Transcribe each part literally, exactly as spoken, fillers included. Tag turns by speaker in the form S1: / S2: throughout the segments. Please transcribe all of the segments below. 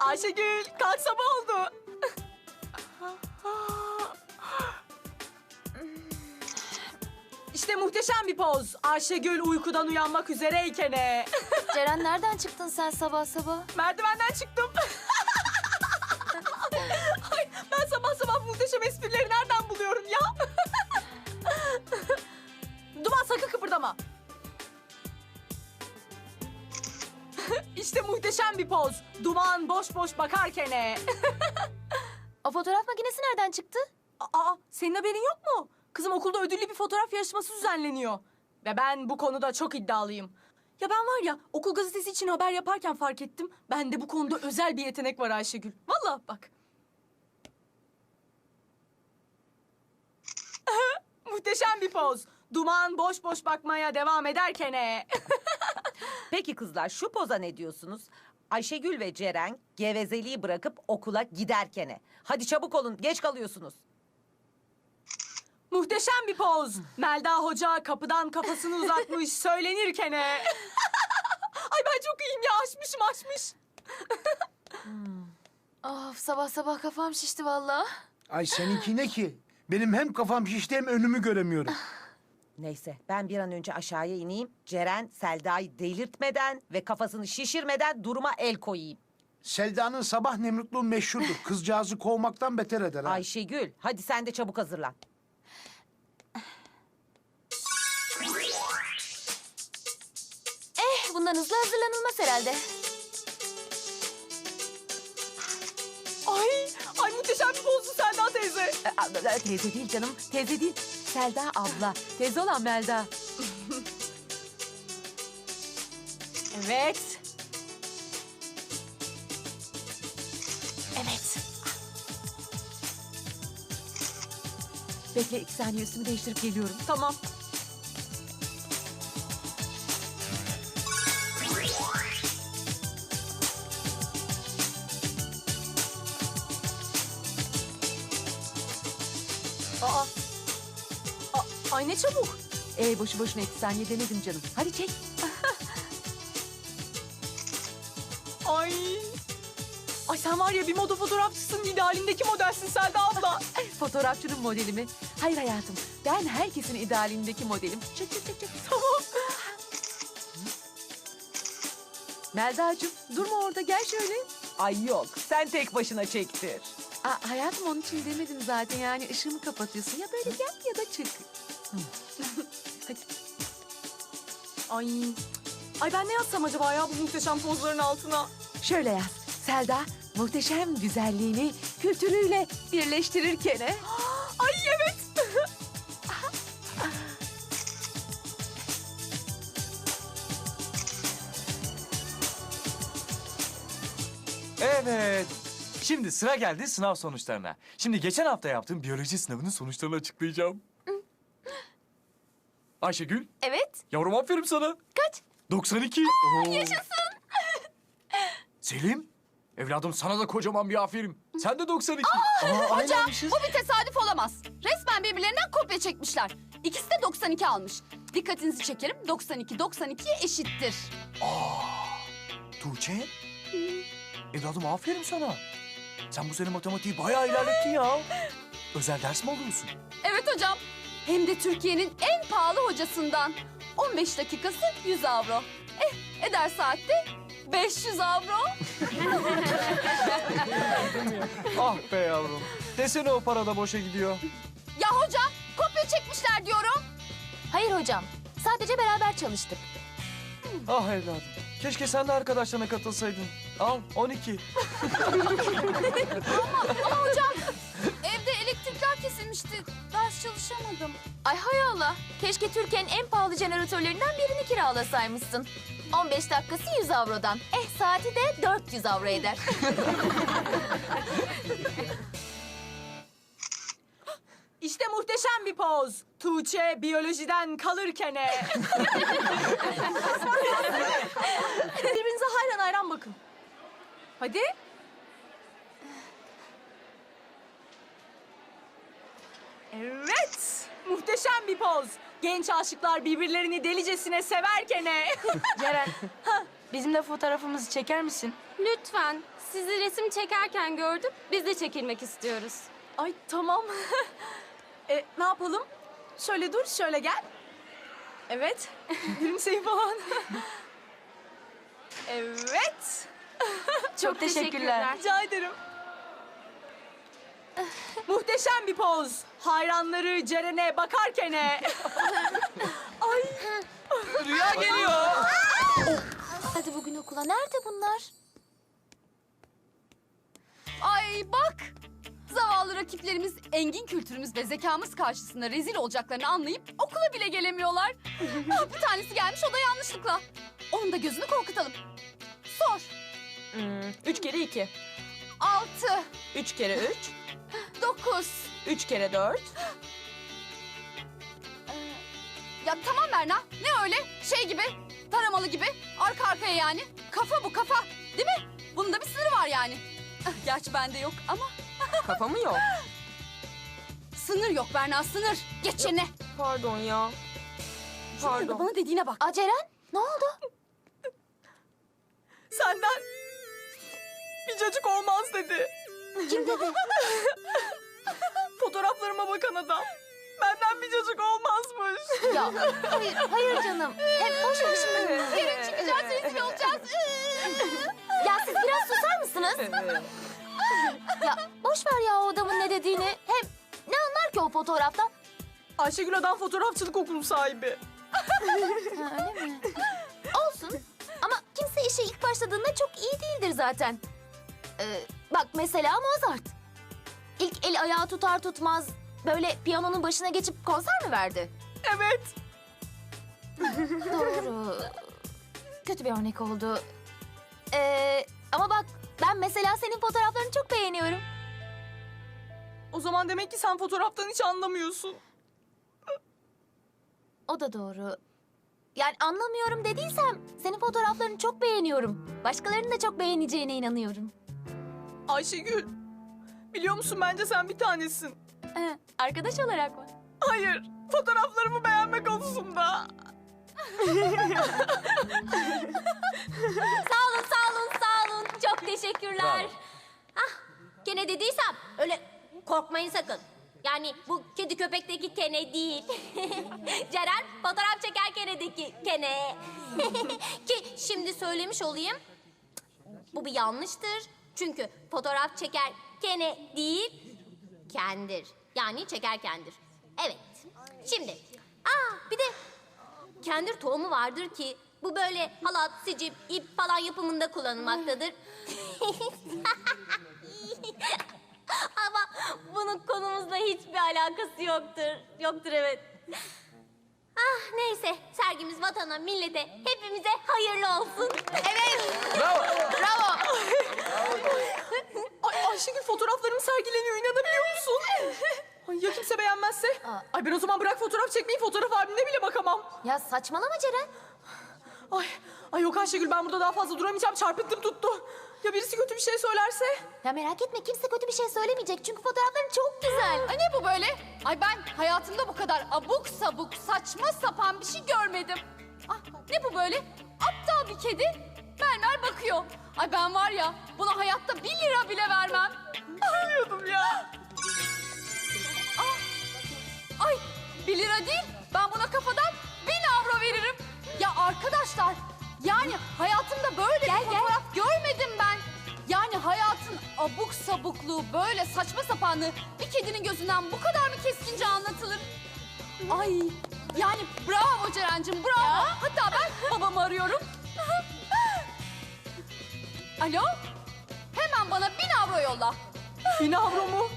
S1: Ayşegül, kalk sabah oldu. İşte muhteşem bir poz. Ayşegül uykudan uyanmak üzereyken. e.
S2: Ceren nereden çıktın sen sabah sabah?
S1: Merdivenden çıktım. Ay, ben sabah sabah muhteşem esprileri nereden buluyorum ya? Duman sakın kıpırdama. İşte muhteşem bir poz. Duman boş boş bakarken. e.
S2: O fotoğraf makinesi nereden çıktı?
S1: Aa, senin haberin yok mu? Kızım okulda ödüllü bir fotoğraf yarışması düzenleniyor. Ve ben bu konuda çok iddialıyım. Ya ben var ya okul gazetesi için haber yaparken fark ettim. Bende bu konuda özel bir yetenek var Ayşegül. Vallahi bak. Muhteşem bir poz. Duman boş boş bakmaya devam ederken. e.
S3: Peki kızlar şu poza ne diyorsunuz? Ayşegül ve Ceren gevezeliği bırakıp okula giderkene. Hadi çabuk olun, geç kalıyorsunuz.
S1: Muhteşem bir poz. Melda Hoca kapıdan kafasını uzatmış söylenirken. e. Ay ben çok iyiyim ya, aşmışım aşmış.
S2: Of, sabah sabah kafam şişti vallahi.
S4: Ay seninki ne ki? Benim hem kafam şişti hem önümü göremiyorum.
S3: Neyse ben bir an önce aşağıya ineyim. Ceren Selda'yı delirtmeden ve kafasını şişirmeden duruma el koyayım.
S4: Selda'nın sabah nemrutluğu meşhurdur. Kızcağızı kovmaktan beter eder ha.
S3: Ayşegül hadi sen de çabuk hazırlan.
S2: Eh, bundan hızlı hazırlanılmaz herhalde.
S1: Ay, ay muhteşem bir pozdu Selda teyze.
S3: Ee, a- a- Teyze değil canım, teyze değil. Selda abla, teyze olan Melda.
S1: Evet.
S2: Evet.
S3: Bekle iki saniye üstümü değiştirip geliyorum.
S1: Tamam. Aa. A- ay ne çabuk.
S3: Ee, boşu boşuna iki saniye demedim canım. Hadi çek.
S1: Ay. Ay sen var ya bir moda fotoğrafçısın, idealindeki modelsin Selda abla.
S3: Fotoğrafçının modeli mi? Hayır hayatım, ben herkesin idealindeki modelim. Çek çek çek çek.
S1: Tamam.
S3: Melda'cığım durma orada, gel şöyle. Ay yok, sen tek başına çektir. Aa, hayatım onun için demedim zaten, yani ışığımı kapatıyorsun. Ya böyle gel ya da çık. Hadi.
S1: Ay. Ay ben ne yazsam acaba ya bu muhteşem pozların altına?
S3: Şöyle yaz. Selda muhteşem güzelliğini kültürüyle birleştirirken. he?
S1: Ay evet.
S5: Evet. Şimdi sıra geldi sınav sonuçlarına. Şimdi geçen hafta yaptığım biyoloji sınavının sonuçlarını açıklayacağım. Ayşegül,
S2: Evet.
S5: yavrum aferin sana.
S2: Kaç?
S5: doksan iki. Oo.
S2: Yaşasın.
S5: Selim, evladım sana da kocaman bir aferin. Sen de doksan iki.
S6: Hocam bu bir tesadüf olamaz. Resmen birbirlerinden kopya çekmişler. İkisi de doksan iki almış. Dikkatinizi çekerim. doksan iki doksan ikiye eşittir.
S5: Tuğçe, evladım aferin sana. Sen bu sene matematiği bayağı ilerlettin ya. Özel ders mi alıyorsun?
S6: Evet hocam. Hem de Türkiye'nin en pahalı hocasından. on beş dakikası yüz avro. Eh eder saatte beş yüz avro.
S5: Ah be yavrum. Desene o para da boşa gidiyor.
S6: Ya hocam kopya çekmişler diyorum.
S2: Hayır hocam. Sadece beraber çalıştık.
S5: Ah evladım. Keşke sen de arkadaşlarına katılsaydın. Al on iki.
S6: Ama hocam evde elektrikler kesilmişti. Ders çalışamadım.
S2: Ay hay Allah. Keşke Türkiye'nin en pahalı jeneratörlerinden birini kiralasaymışsın. on beş dakikası yüz avrodan. Eh saati de dört yüz avro eder.
S1: İşte muhteşem bir poz. Tuğçe biyolojiden kalırken. Birbirinize hayran hayran bakın. Hadi. Evet. Muhteşem bir poz. Genç aşıklar birbirlerini delicesine severken.
S3: Ceren,
S1: bizim de fotoğrafımızı çeker misin?
S6: Lütfen. Sizi resim çekerken gördük. Biz de çekilmek istiyoruz.
S1: Ay tamam. e, ne yapalım? Şöyle dur, şöyle gel. Evet. Gülümseyin falan. Evet. Çok,
S6: teşekkürler.
S1: Rica ederim. Muhteşem bir poz. Hayranları Ceren'e bakarken. Ay.
S5: Rüya geliyor.
S2: Hadi bugün okula. Nerede bunlar?
S6: Ay bak! Zavallı rakiplerimiz engin kültürümüz ve zekamız karşısında rezil olacaklarını anlayıp okula bile gelemiyorlar. Ah, bir tanesi gelmiş, o da yanlışlıkla. Onun da gözünü korkutalım. Sor.
S1: Hmm, üç kere iki.
S6: Altı,
S1: Üç kere üç.
S6: dokuz.
S1: Üç kere dört.
S6: Ya tamam Berna, ne öyle? Şey gibi, taramalı gibi, arka arkaya yani. Kafa bu kafa, değil mi? Bunun da bir sınırı var yani. Ah, gerçi bende yok ama
S1: Kafa mı yok?
S6: sınır yok Berna, sınır. Geç yerine.
S1: Pardon ya.
S6: Şuraya da bana dediğine bak.
S2: Aa, Ceren, ne oldu?
S1: Senden bir cacık olmaz dedi.
S2: Kim dedi?
S1: Fotoğraflarıma bakan adam. Benden bir cacık olmazmış.
S2: Ya hayır, hayır canım. Hem boş ver şimdi.
S6: Yarın çıkacağız, rezil olacağız.
S2: Ya siz biraz susar mısınız? Ya boş ver ya o adamın ne dediğini. Hem ne anlar ki o fotoğraftan?
S1: Ayşegül adam fotoğrafçılık okulu sahibi.
S2: Ha, öyle mi? Olsun. Ama kimse işe ilk başladığında çok iyi değildir zaten. Ee, bak mesela Mozart. İlk el ayağı tutar tutmaz böyle piyanonun başına geçip konser mi verdi?
S1: Evet.
S2: Doğru. Kötü bir örnek oldu. Ee, ama bak ben mesela senin fotoğraflarını çok beğeniyorum.
S1: O zaman demek ki sen fotoğraftan hiç anlamıyorsun.
S2: O da doğru. Yani anlamıyorum dediysem senin fotoğraflarını çok beğeniyorum. Başkalarının da çok beğeneceğine inanıyorum.
S1: Ayşegül, biliyor musun bence sen bir tanesin.
S2: Ee, arkadaş olarak mı?
S1: Hayır, fotoğraflarımı beğenme konusunda.
S2: Sağ olun, sağ olun, sağ olun. Çok teşekkürler.
S7: Ah, Kene dediysem öyle korkmayın sakın. Yani bu kedi köpekteki Kene değil. Ceren fotoğraf çeker Kene'deki Kene. Ki şimdi söylemiş olayım. Bu bir yanlıştır. Çünkü fotoğraf çeker Kene değil, kendir. Yani çekerkendir. Evet. Şimdi, aa bir de kendir tohumu vardır ki bu böyle halat, sicim, ip falan yapımında kullanılmaktadır. Ama bunun konumuzla hiçbir alakası yoktur. Yoktur evet. Ah neyse sergimiz vatana, millete, hepimize hayırlı olsun. Evet.
S5: Bravo.
S7: Bravo.
S1: Ay Ayşegül fotoğraflarım sergileniyor, inanabiliyor musun? Ay ya kimse beğenmezse? Ay ben o zaman bırak fotoğraf çekmeyi, fotoğraf albümüne bile bakamam.
S2: Ya saçmalama Ceren.
S1: Ay, ay yok Ayşegül ben burada daha fazla duramayacağım, çarpıntım tuttu. Ya birisi kötü bir şey söylerse?
S2: Ya merak etme kimse kötü bir şey söylemeyecek çünkü fotoğrafların çok güzel.
S6: Ay ne bu böyle? Ay ben hayatımda bu kadar abuk sabuk, saçma sapan bir şey görmedim. Ah ne bu böyle? Aptal bir kedi mermer bakıyor. Ay ben var ya buna hayatta bir lira bile vermem.
S1: Biliyordum ya.
S6: Ah, ay bir lira değil, ben buna kafadan bin avro veririm. Ya arkadaşlar, yani hayatımda böyle bir fotoğraf görmedim ben. Yani hayatın abuk sabukluğu, böyle saçma sapanlığı bir kedinin gözünden bu kadar mı keskince anlatılır? Ay, yani bravo Ceren'cim, bravo. Hatta ben babamı arıyorum. Alo, hemen bana bin avro yolla.
S1: Bin avro mu?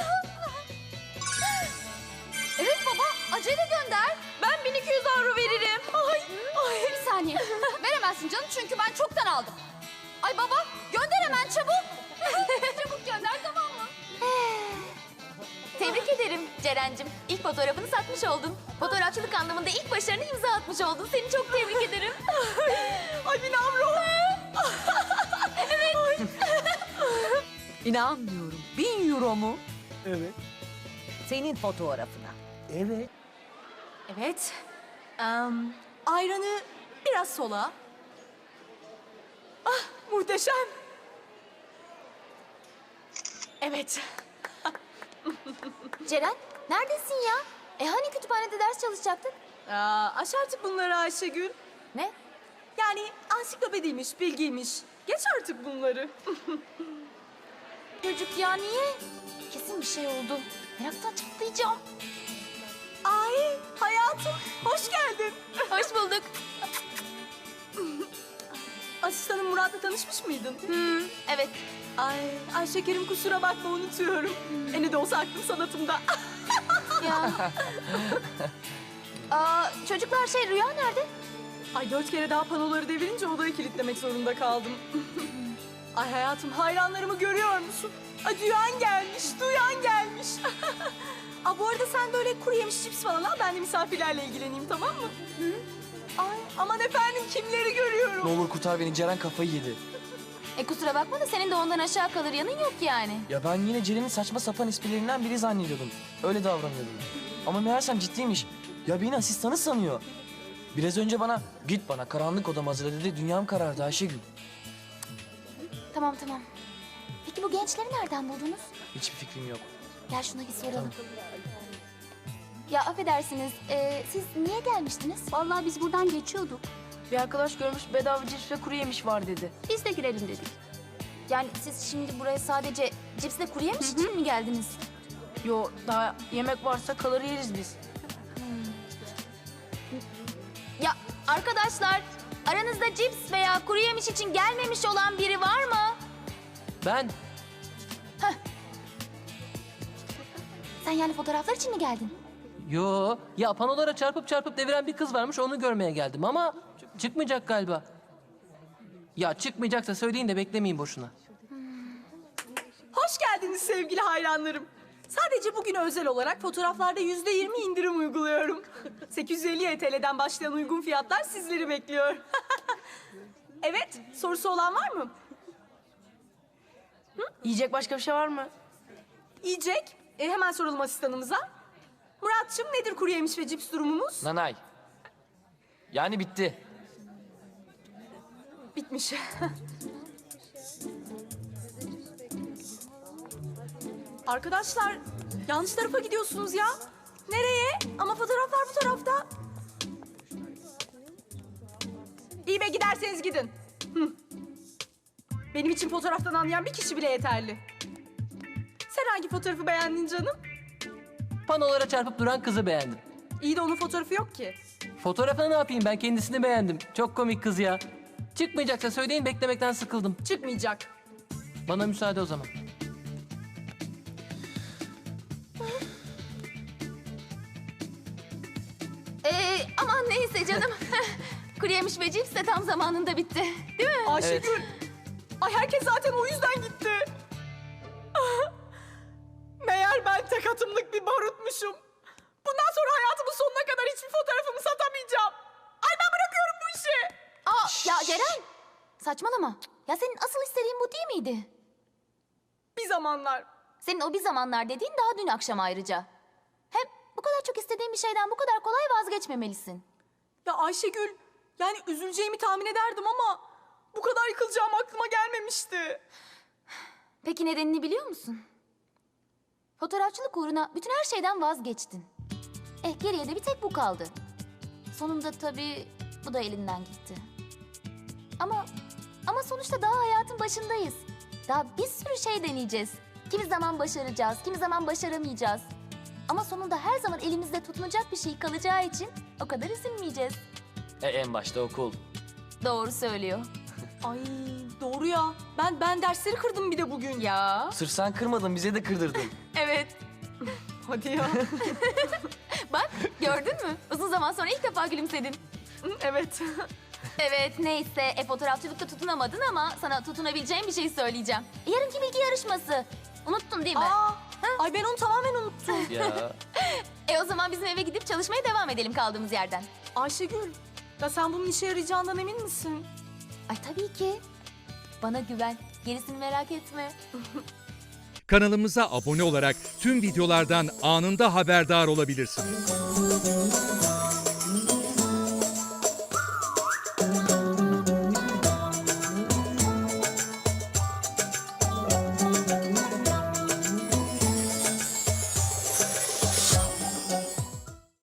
S6: Evet baba, acele gönder.
S1: Ben bin iki yüz avro veririm. Ay, ay.
S6: Bir saniye. Veremezsin canım çünkü ben çoktan aldım. Ay baba gönder hemen çabuk. Çabuk gönder tamam mı?
S2: Tebrik ederim Ceren'cim. İlk fotoğrafını satmış oldun. Fotoğrafçılık anlamında ilk başarını imza atmış oldun. Seni çok tebrik ederim.
S1: Ay bin avro.
S3: İnanmıyorum. Bin euro mu?
S4: Evet.
S3: Senin fotoğrafına.
S4: Evet.
S1: Evet. Em, ayranı biraz sola. muhteşem. Evet.
S2: Ceren, neredesin ya? E hani kütüphanede ders çalışacaktık?
S1: Aa, aç artık bunları Ayşegül.
S2: Ne?
S1: Yani ansiklopediymiş, bilgiymiş. Geç artık bunları.
S2: Çocuk ya niye? Kesin bir şey oldu. Meraktan çatlayacağım.
S1: Ay hayatım, hoş geldin.
S2: Hoş bulduk.
S1: Asistanım Murat'la tanışmış mıydın?
S2: Hmm, evet.
S1: Ay, ay şekerim kusura bakma unutuyorum. E ne de olsa aklım sanatımda.
S2: Ya. Aa, çocuklar şey Rüya nerede?
S1: Ay dört kere daha panoları devirince odayı kilitlemek zorunda kaldım. Ay hayatım hayranlarımı görüyor musun? Ay duyan gelmiş, duyan gelmiş. Aa, bu arada sen böyle kuru yemiş cips falan al, ben de misafirlerle ilgileneyim, tamam mı? Hı? Ay aman efendim kimleri görüyorum.
S8: Ne olur kurtar beni, Ceren kafayı yedi.
S2: E kusura bakma da senin de ondan aşağı kalır yanın yok yani.
S8: Ya ben yine Ceren'in saçma sapan esprilerinden biri zannediyordum. Öyle davranıyordum. Ama meğersem ciddiymiş. Ya beni asistanı sanıyor. Biraz önce bana git bana karanlık odam hazırla dedi. Dünyam karardı Ayşegül.
S2: Tamam tamam. Peki bu gençleri nereden buldunuz?
S8: Hiçbir fikrim yok.
S2: Gel şuna bir soralım. Ya affedersiniz, e, siz niye gelmiştiniz?
S9: Vallahi biz buradan geçiyorduk.
S3: Bir arkadaş görmüş bedava cips ve kuru yemiş var dedi.
S9: Biz de girelim dedik.
S2: Yani siz şimdi buraya sadece cipsle kuru yemiş için mi geldiniz?
S3: Yo, daha yemek varsa kalır yeriz biz.
S2: Ya arkadaşlar, aranızda cips veya kuru yemiş için gelmemiş olan biri var mı?
S8: Ben
S2: Sen yani fotoğraflar için mi geldin?
S10: Yo, ya panolara çarpıp çarpıp deviren bir kız varmış, onu görmeye geldim ama çıkmayacak galiba. Ya çıkmayacaksa söyleyin de beklemeyin boşuna.
S1: Hoş geldiniz sevgili hayranlarım. Sadece bugüne özel olarak fotoğraflarda yüzde yirmi indirim uyguluyorum. sekiz yüz elli T L'den başlayan uygun fiyatlar sizleri bekliyor. Evet, sorusu olan var mı?
S3: Yiyecek başka bir şey var mı?
S1: Yiyecek. E, hemen soralım asistanımıza. Muratçım nedir kuru yemiş ve cips durumumuz?
S8: Nanay. Yani bitti.
S1: Bitmiş. Arkadaşlar yanlış tarafa gidiyorsunuz ya. Nereye? Ama fotoğraflar bu tarafta. İyi be giderseniz gidin. Hı. Benim için fotoğraftan anlayan bir kişi bile yeterli. Sen hangi fotoğrafı beğendin canım?
S10: Panolara çarpıp duran kızı beğendim.
S1: İyi de onun fotoğrafı yok ki.
S10: Fotoğrafını ne yapayım, ben kendisini beğendim. Çok komik kız ya. Çıkmayacaksa söyleyin, beklemekten sıkıldım.
S1: Çıkmayacak.
S10: Bana müsaade o zaman.
S2: Ee, aman neyse canım. Kuru yemiş ve cips de tam zamanında bitti. Değil mi?
S1: Ayşegül. Ay herkes zaten o yüzden gitti. Meğer ben tek atımlık bir barutmuşum. Bundan sonra hayatımın sonuna kadar hiçbir fotoğrafımı satamayacağım. Ay ben bırakıyorum bu işi.
S2: Aa, ya Ceren. Saçmalama. Ya senin asıl istediğin bu değil miydi?
S1: Bir zamanlar.
S2: Senin o bir zamanlar dediğin daha dün akşam ayrıca. Hem bu kadar çok istediğin bir şeyden bu kadar kolay vazgeçmemelisin.
S1: Ya Ayşegül, yani üzüleceğimi tahmin ederdim ama bu kadar yıkılacağım aklıma gelmemişti.
S2: Peki nedenini biliyor musun? Fotoğrafçılık uğruna bütün her şeyden vazgeçtin. Eh geriye de bir tek bu kaldı. Sonunda tabii bu da elinden gitti. Ama ama sonuçta daha hayatın başındayız. Daha bir sürü şey deneyeceğiz. Kimi zaman başaracağız, kimi zaman başaramayacağız. Ama sonunda her zaman elimizde tutunacak bir şey kalacağı için o kadar üzülmeyeceğiz.
S8: E, en başta okul.
S2: Doğru söylüyor.
S1: Ay doğru ya. Ben ben dersleri kırdım bir de bugün.
S2: Ya.
S8: Sırf sen kırmadın, bize de kırdırdın.
S2: Evet.
S1: Hadi ya.
S2: Bak gördün mü? Uzun zaman sonra ilk defa gülümsedin.
S1: Evet.
S2: Evet neyse e, fotoğrafçılıkta tutunamadın ama sana tutunabileceğim bir şey söyleyeceğim. Yarınki bilgi yarışması. Unuttun değil mi?
S1: Aa, ay ben onu tamamen unuttum.
S8: Ya.
S2: E o zaman bizim eve gidip çalışmaya devam edelim kaldığımız yerden.
S1: Ayşegül, ya sen bunun işe yarayacağından emin misin?
S2: Ay tabii ki. Bana güven. Gerisini merak etme.
S11: Kanalımıza abone olarak tüm videolardan anında haberdar olabilirsiniz.